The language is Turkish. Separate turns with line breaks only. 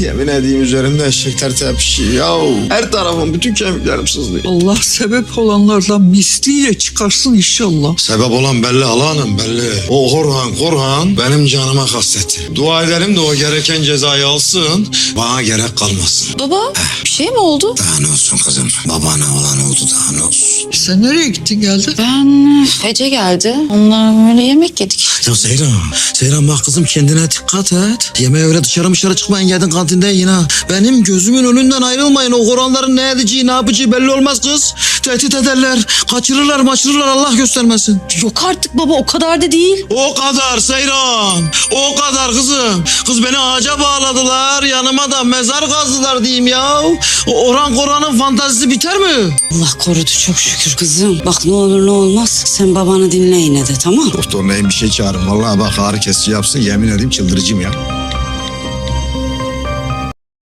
Yemin edeyim üzerimde eşekler tepişiyor ya. Her tarafım, bütün kemiklerim sızlıyor.
Allah sebep olanlardan misliyle çıkarsın inşallah.
Sebep olan belli Hanım, belli. O Korhan benim canıma kastetti. Dua edelim de o gereken cezayı alsın, bana gerek kalmasın.
Baba bir şey mi oldu?
Daha ne olsun kızım, babana olan oldu, daha ne olsun.
Sen nereye gittin geldin?
Ben Ece geldi. Onunla böyle yemek yedik.
Ya Seyran bak kızım, kendine dikkat et. Yemeğe öyle dışarı çıkmayın, yedin kantinde yiyin ha. Benim gözümün önünden ayrılmayın. O Kur'anların ne edeceği, ne yapacağı belli olmaz kız. Tehdit ederler, kaçırırlar, Allah göstermesin.
Yok artık baba, o kadar da değil.
O kadar Seyran, o kadar kızım. Kız beni ağaca bağladılar, yanıma da mezar kazdılar diyeyim ya. O Orhan Koran'ın fantazisi biter mi?
Allah korudu çok şükür. Kızım bak, ne olur ne olmaz sen babanı dinle yine de, tamam?
Doktor neyin bir şey çağırın. Vallahi bak ağrı kesici yapsın, yemin edeyim çıldırıcıyım ya.